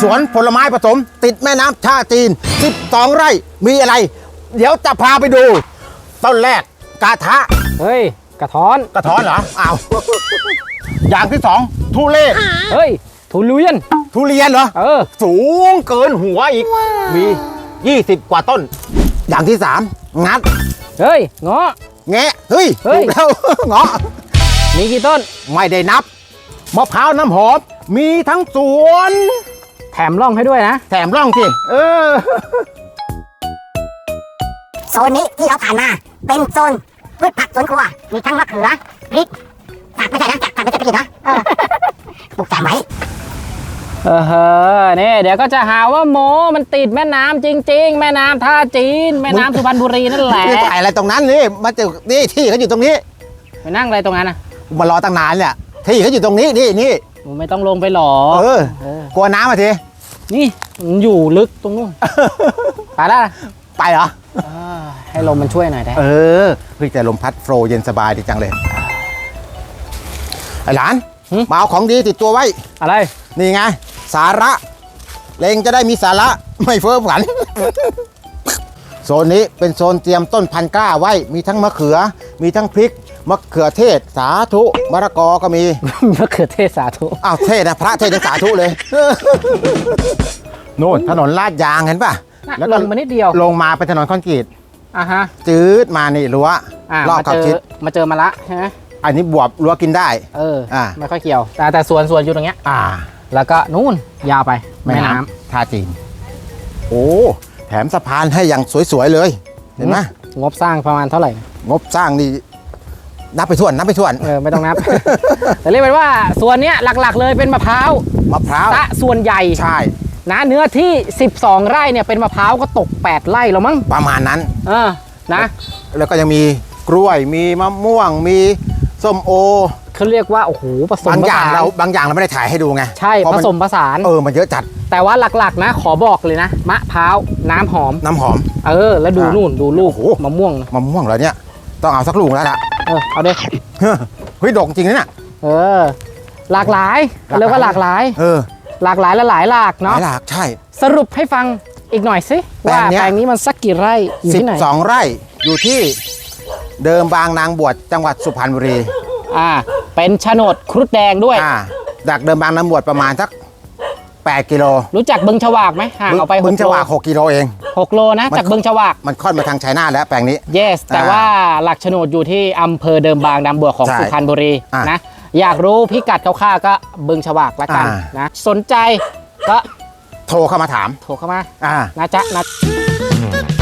สวนผลไม้ผสมติดแม่น้ำท่าจีน12 ไร่มีอะไร เดี๋ยวจะพาไปดู ต้นแรกกาทะเฮ้ยกระท้อนกระท้อนเหรออ้าว อย่างที่ 2 ทุเรศเฮ้ยทุเรียนทุเรียนเหรอ สูงเกินหัวอีก มี 20 กว่าต้น อย่างที่ 3 งัดเฮ้ยเงาะแงะเฮ้ยเฮ้ถูยกแล้ว เงาะมีกี่ต้นไม่ได้นับมะพร้าวน้ำหอมมีทั้งสวนแถมร่องให้ด้วยนะแถมร่องสิโซนนี้ที่เราผ่านมาเป็นโซนพืชผักสวนครัวมีทั้งมะเขือพริกผักไม่ใช่นะผักไม่ใช่พริกนะปลูกแซมไว้เนี่ยเดี๋ยวก็จะหาว่าโมมันติดแม่น้ำจริงๆ แม่น้ำท่าจีน แม่น้ำสุพรรณบุรีนั่นแหละนี่ถ่ายอะไรตรงนั้นนี่มาเจอนี่ที่เขาอยู่ตรงนี้ไปนั่งอะไรตรงนั้นนะมารอตั้งนานเนี่ยที่เขาอยู่ตรงนี้นี่มึงไม่ต้องลงไปหรอกลัวน้ำมาทีนี่มันอยู่ลึกตรงนู้น ไปแล้วนะไปเหรอให้ลมมันช่วยหน่อยได้เฮ้ยแต่ลมพัดโฟล์เย็นสบายดีจังเลยไอ้หลานมาเอาของดีติดตัวไว้อะไรนี่ไงสาระเลงจะได้มีสาระไม่เฟ้อฝัน โซนนี้เป็นโซนเตรียมต้นพันธุ์กล้าไว้มีทั้งมะเขือมีทั้งพริกมะเขือเทศสาธุมะละกอก็มีมะเขือเทศสาธุอ้าวเทศนะพระเทศยังสาธุเลย โน่นถนนลาดยางเห็นป่ะแล้วลงมานิดเดียวลงมาเป็นถนนคอนกรีตฮะจืดมานี่รั้วรอบขอบชิดมาเจอมาละใช่ไหมอันนี้บวบรั้วกินได้ไม่ค่อยเกี่ยว แต่สวนอยู่ตรงเนี้ย แล้วก็นู่นยาวไปแม่น้ำท่าจีนโอ้แถมสะพานให้อย่างสวยๆเลยเห็นไหมงบสร้างประมาณเท่าไหร่งบสร้างนี่นับไปถ้วนไม่ต้องนับ แต่เรียกเป็นว่าส่วนเนี้ยหลักๆเลยเป็นมะพร้าวซะส่วนใหญ่ใช่นะเนื้อที่12 ไร่เนี่ยเป็นมะพร้าวก็ตก8 ไร่แล้วมั้งประมาณนั้นนะแล้วก็ยังมีกล้วยมีมะม่วงมีส้มโอเขาเรียกว่าโอ้โหผสมบางอย่างเราไม่ได้ถ่ายให้ดูไงใช่ผสมผสานมันเยอะจัดแต่ว่าหลักๆนะขอบอกเลยนะมะพร้าวน้ำหอมแล้วดูนู่นดูลูกมะม่วงเหรอเนี่ยต้องเอาสักลูกแล้วล่ะเอาเด็กเฮ้ยดอกจริงนะเนี่ยหลากหลายเรียกว่าหลากหลายหลากหลายและหลายหลากเนาะหลากใช่สรุปให้ฟังอีกหน่อยสิว่าแปลงนี้มันสักกี่ไร่อยู่ที่ไหน 12 ไร่อยู่ที่เดิมบางนางบวชจังหวัดสุพรรณบุรีเป็นโฉนดครุฑแดงด้วยจากเดิมบางนางบวชประมาณสัก8 กิโลรู้จักบึงฉวากไหมห่างออกไปบึงฉวาก6 กิโลเอง 6 โลนะจากบึงฉวากมันค่อนมาทางชัยนาทแล้วแปลงนี้ yes แต่ว่าหลักโฉนดอยู่ที่อำเภอเดิมบางนางบวชของสุพรรณบุรีนะอยากรู้พิกัดคร่าวๆก็บึงฉวากละกันนะสนใจก็โทรเข้ามาถามโทรเข้ามานะจ๊ะนะ